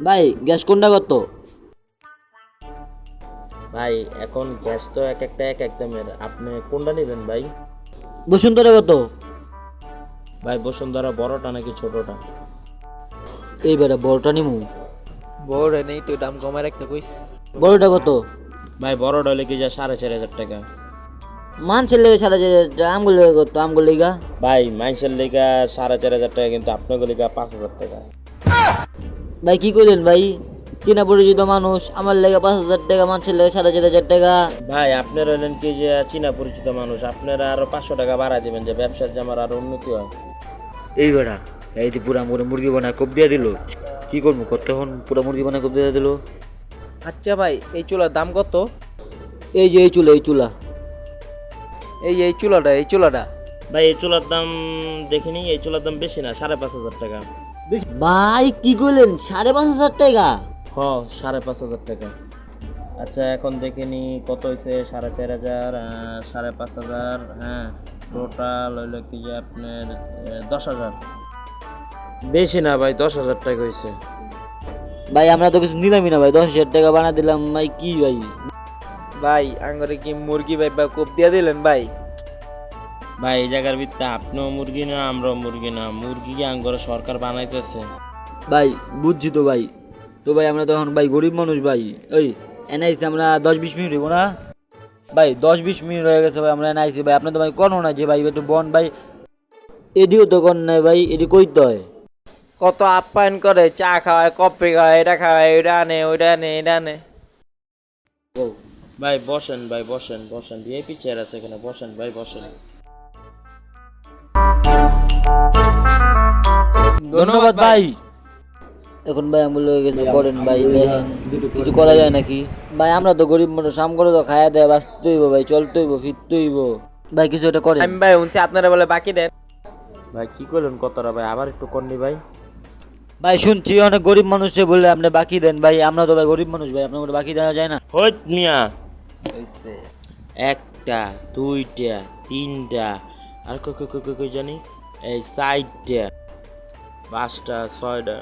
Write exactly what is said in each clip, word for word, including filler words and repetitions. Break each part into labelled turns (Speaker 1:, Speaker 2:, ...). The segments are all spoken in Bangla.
Speaker 1: ভাই গ্যাস কোনটা কত?
Speaker 2: ভাই এখন গ্যাস তো এক একটা এক এক দামের, আপনি কোনটা নেবেন ভাই?
Speaker 1: বসুন্ধরা কত?
Speaker 2: ভাই বসুন্ধরা বড়টা নাকি ছোটটা?
Speaker 1: এইবারে বড়টা নিমু।
Speaker 3: বড় নেই তো দাম কমায় রাখতে কইস।
Speaker 1: বড়টা কত?
Speaker 2: ভাই বড়টা হলে কি যা সাড়ে চার হাজার টাকা।
Speaker 1: মানছের লেগে সারা যে আমগুলো কত আমগুলো লেগা?
Speaker 2: ভাই মাইসের লেগা সাড়ে চার হাজার টাকা, কিন্তু আপনার লেগা পাঁচ হাজার টাকা।
Speaker 1: ভাই কি করলেন ভাই? চীনা পরিচিত মানুষ, আমার লেগে পাঁচ হাজার টাকা, মানুষের লেগে সাড়ে চার হাজার টাকা।
Speaker 2: ভাই আপনারা হলেন কি যে চীনা পরিচিত মানুষ, আপনারা আরো পাঁচশো টাকা বাড়াই দিবেন যে ব্যবসার যে আমার আরো উন্নতি হয়।
Speaker 1: এই বেড়া এই যে পুরা মুড়ে মুরগি বানায় কোপ দিয়ে দিল, কি করবো কতক্ষণ পুরা মুরগি বানায় কোপ দিয়ে দিল।
Speaker 3: আচ্ছা ভাই এই চুলার দাম কত?
Speaker 1: এই যে এই চুলা এই চুলা
Speaker 3: এই এই চুলাটা এই চুলাটা
Speaker 2: ভাই এই চুলার দাম দেখিনি, এই চুলার দাম বেশি না, সাড়ে পাঁচ হাজার টাকা।
Speaker 1: ভাই কি করলেন সাড়ে পাঁচ হাজার টাকা?
Speaker 2: হ সাড়ে পাঁচ হাজার টাকা। আচ্ছা এখন দেখিনি কত হয়েছে, সাড়ে চার হাজার, সাড়ে পাঁচ হাজার, হ্যাঁ টোটাল হইলো কি যে আপনার দশ হাজার। বেশি না ভাই, দশ হাজার টাকা হয়েছে।
Speaker 1: ভাই আমরা তো কিছু নিলামই না ভাই, দশ হাজার টাকা বানা দিলাম ভাই। কি ভাই
Speaker 3: ভাই আঙ্গরে কি মুরগি ভাই বা কোপ দিয়া দিলেন ভাই?
Speaker 2: ভাই এই জায়গার ভিত্তে আপনিও মুরগি না আমরাও মুরগি না, মুরগি কি আঙ্গরে সরকার বানাইতেছে।
Speaker 1: ভাই বুঝছি তো ভাই, তো ভাই আমরা তখন ভাই গরিব মানুষ ভাই। ওই এনআইসি আমরা দশ বিশ মিনিট হইব না ভাই, দশ বিশ মিনিট হয়ে গেছে ভাই আমরা এনআইসি ভাই। আপনি তো ভাই কোনো না যে ভাই একটু বন ভাই, এডিও তো কর নাই ভাই, এডি কইতে হয়।
Speaker 3: কত আপ্যায়ন করে, চা খাওয়ায়, কফি খাওয়ায়, এটা খাওয়ায়, ওইটা আনে, ওইটা আনে, এটা আনে।
Speaker 2: ভাই বসেন ভাই বসেন বসেন, ভিআইপি চেয়ার আছে এখানে, বসেন ভাই বসেন।
Speaker 1: ধন্যবাদ ভাই। এখন ভাই আমগুলো হয়ে গেছে, করেন ভাই দেখেন কিছু করা যায় নাকি ভাই? আমরা তো গরিব মানুষ, আম করে তো খায়া দেয় বাঁচতে হইব ভাই, চলতে হইব ফিরতে হইব ভাই, কিছু এটা করেন।
Speaker 3: আমি ভাই শুনছি আপনারা বলে বাকি দেন।
Speaker 2: ভাই কি করলেন কতটা ভাই, আবার একটু করনি ভাই।
Speaker 1: ভাই শুনছি অনেক গরিব মানুষে বলে আপনি বাকি দেন ভাই, আমরা তো ভাই গরিব মানুষ ভাই, আপনার বাকি দেওয়া যায় না।
Speaker 2: হইত মিয়া, একটা দুইটা তিনটা আর কই কই কই কই কই জানি, এই চারটা পাঁচটা ছয়টা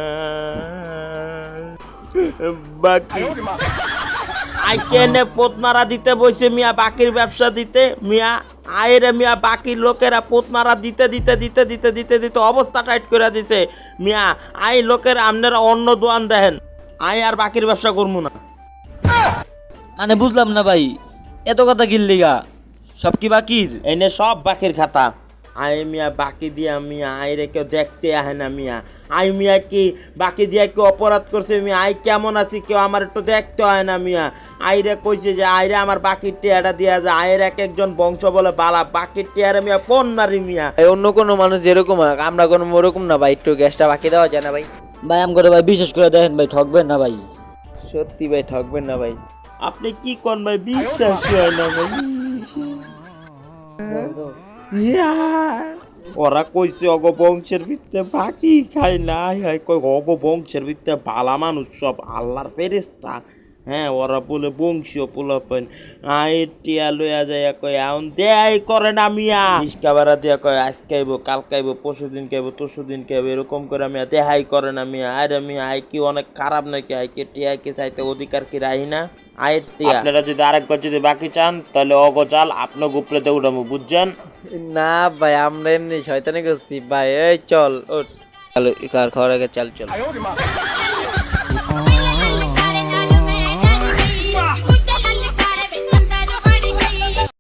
Speaker 2: বাকি। আই কেনে পোতনারা দিতে বইছে মিয়া, বাকির ব্যবসা দিতে মিয়া। আয়ের মিয়া বাকির লোকেরা পোতনারা দিতে দিতে দিতে দিতে দিতে দিতে অবস্থা টাইট করে দিছে মিয়া। আই লোকের আপনারা অন্য দোয়ান দেখেন, আই আর বাকির ব্যবসা করবো না।
Speaker 1: মানে বুঝলাম না ভাই, এত কথা কিনলিগা সব কি বাকির?
Speaker 2: এনে সব বাকির খাতা। আই মিয়া বাকি দিয়া মিয়া আইরে কেউ দেখতে আহে না মিয়া। আই মিয়া কি বাকি দিয়া কেউ অপরাধ করছে মিয়া? আই কেমন আছি কেউ আমার একটু দেখতে হয় না মিয়া। আইরে কইছে যে আইরে আমার বাকির টিয়াটা দিয়া যায়, আয়ের এক একজন বংশ বলে বালা, বাকির টিয়ারে মিয়া কোন নারী মিয়া।
Speaker 3: এই অন্য কোনো মানুষ যেরকম হোক, আমরা কোনো ওরকম না ভাই, একটু গ্যাসটা বাকি দেওয়া যায় না ভাই?
Speaker 1: ভাই আম করে ভাই বিশেষ করে দেখেন ভাই, ঠকবেন না ভাই।
Speaker 3: সত্যি ভাই ঠকবেন না ভাই।
Speaker 2: আপনি কি কোন ভাই, বিশ্বাসই হয় না ভাই। ওরা কইছে অগ বংশের ভিত্তে বাকি খাই না, হয় কই অগ বংশের ভিত্তে ভালা মানুষ সব আল্লাহর ফেরেশতা। হ্যাঁ ওরা বলে বংশীয় পোলাপেন, আই টিয়া লইয়া যায় কয় এখন দেয় করে না মিয়া। ইস্কাবারা দিয়া কয় আজ খাইব কাল খাইব পরশু দিন খাইব তরশু দিন খাইব, এরকম করে মিয়া দেহাই করে না মিয়া। আরে মিয়া আই কি অনেক খারাপ নাকি? আই কে টিয়া কে চাইতে অধিকার কি রাহি না? আয়ের টিয়া আপনারা যদি আরেকবার যদি বাকি চান তাহলে অগ চাল আপনার গুপলেতে উঠাবো, বুঝছেন?
Speaker 3: না ভাই আমরা এমনি শয়তানি করছি ভাই। এই চল ওঠ, চল কার খাওয়ার আগে চাল চল।